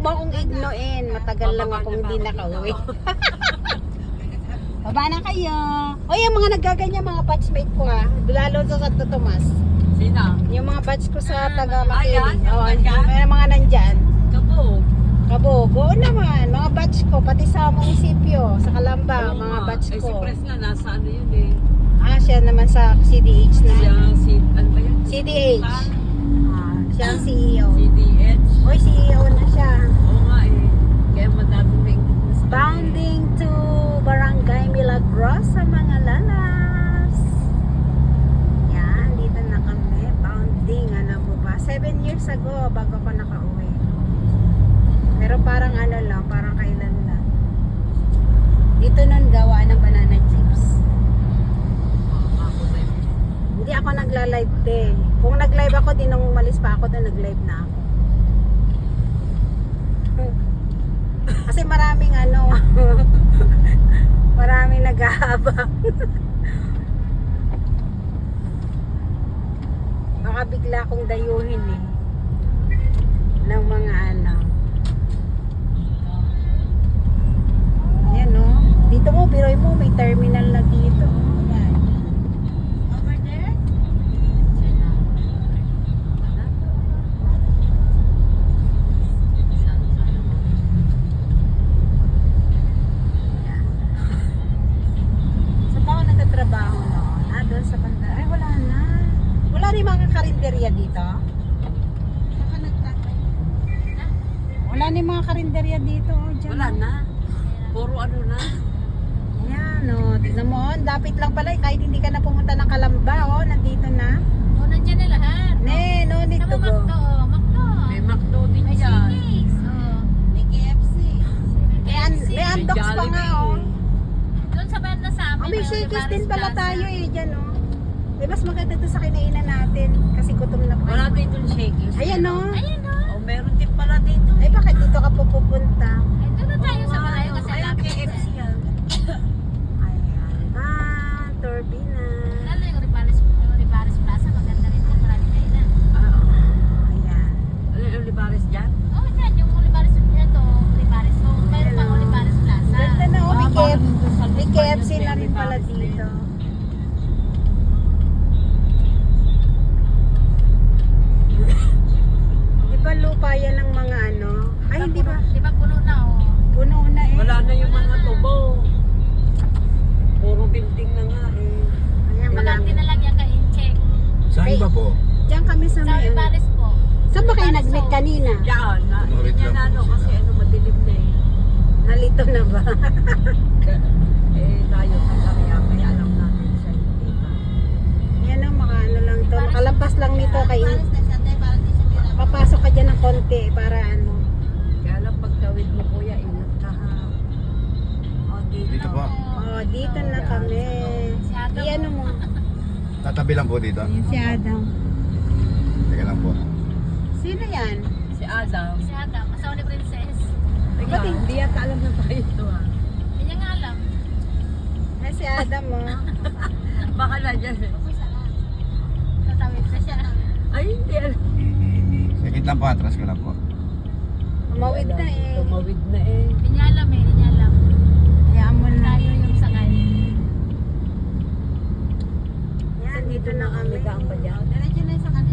mo akong ignoin. Matagal lang akong hindi nakauwi. Baba na kayo. O yung mga naggaganyan, mga batchmate ko ha. Lalo sa Santo Tomas. Sino? Yung mga batch ko sa taga Ayan, Makiling. yung Oo, nandyan? may mga nandyan. Kabog. Kabog. Oo naman. Mga batch ko. Pati sa munisipyo. Sa Kalamba. Oo Mga nga. batch Eh, ko. si Pres nga, nasa ano yun eh. Ah, siya naman sa CDH Siya, naman. ano ba yun? CDH. Ah, siya ang CEO. CDH. Oy, CEO na siya. Oo nga eh. Kaya madaming nainggit na sa Bounding to Barangay Milagrosa, mga lalas. Yan, dito na kami. Bounding, ano mo ba? 7 years ago, bago ko nakauwi. Pero parang ano lang, parang kailan lang. Dito nun gawa ng banana chips. Hindi ako nagla-live din. Kung nag-live ako, din nung umalis pa ako, doon nag-live na ako. Kasi maraming ano, maraming nag-aabang. Baka bigla akong dayuhin eh. Ng mga ano. Ayan no. Dito mo, biroy mo, may terminal na dito. Ayan. Over there? Saan ba ako nagtatrabaho noon? Ah, doon sa banda. Ay, wala na. Wala rin mga karinderya dito? Saka nagtatay. Wala rin mga karinderya dito. Oh, dyan. Wala na. Puro ano na. Ayan, oh. Tignan mo, oh. Dapit lang pala. Kahit hindi ka na pumunta ng Kalamba, oh. Nandito na. Oh, nandiyan na lahat. Ne, no need to Tama, go. Macdo, oh, Macdo. May McDo din May dyan. Chili's, oh. May KFC. May, KFC. may Andox pa nga, oh. Doon sa banda sa amin. Oh, may Shakey's din pala Plaza. tayo eh, dyan, oh. Eh, mas maganda to sa kinainan natin. Kasi gutom na pa. Wala din dun Shakey's. Ayan, oh. Ayun, oh. Oh, meron din pala dito. Ay, bakit dito ka pupunta? Ay, doon na tayo sa malayo kasi Ay, lapit. KFC yan. Ayan. Ah, Turbina. Lalo yung Ribares Plaza, maganda rin doon. Marami kainan. Ayan. Ano yung Olivares dyan? Oh, yan, yung Ribares ito, Ribares. So, meron pa Ribares Plaza. Ganda na, oh. May Ah, parang KFC. dun sa May Luzon, KFC yung na rin pala Olivares din. dito. Di ba lupa yan ng mga ano? Ay, hindi ba? Di ba puno na, oh. Puno na eh. Wala na yung mga tubo. Puro building na nga eh. Ayan, Magante malaki. na lang yan ka-in-check. Saan ba po? Diyan kami sa Sa may ano. Ribares po. Saan ba kayo nag-meet kanina? Diyan, na, Tumarit yan lang ano, po kasi sila. ano, madilim na eh. Nalito na ba? Eh, tayo kaya alam natin sa hindi pa. Yan ang maka ano lang to. Makalampas lang nito kay papasok ka dyan ng konti para ano. Kaya lang pagtawid mo kuya, ingat ka ha. O, Dito po. Oh, dito na kami. Si Adam. I ano mo? Tatabi lang po dito. Ayan si Adam. Teka lang po. Sino yan? Si Adam. Si Adam, asawa ni Princess. Teka, Ba't hindi yata alam na tayo ito ha. Hindi niya nga alam. Ay, si Adam oh. Baka na dyan eh. Tatawid na siya. Ay, hindi alam. Sakit lang po, atras ko lang po. Tumawid na eh. Tumawid na eh. Hindi niya alam eh, hindi niya alam. Hayaan mo na. Tayo yung sakay. Yan, dito na kami. Ligaan pa dyan. Diretso na sa kanila.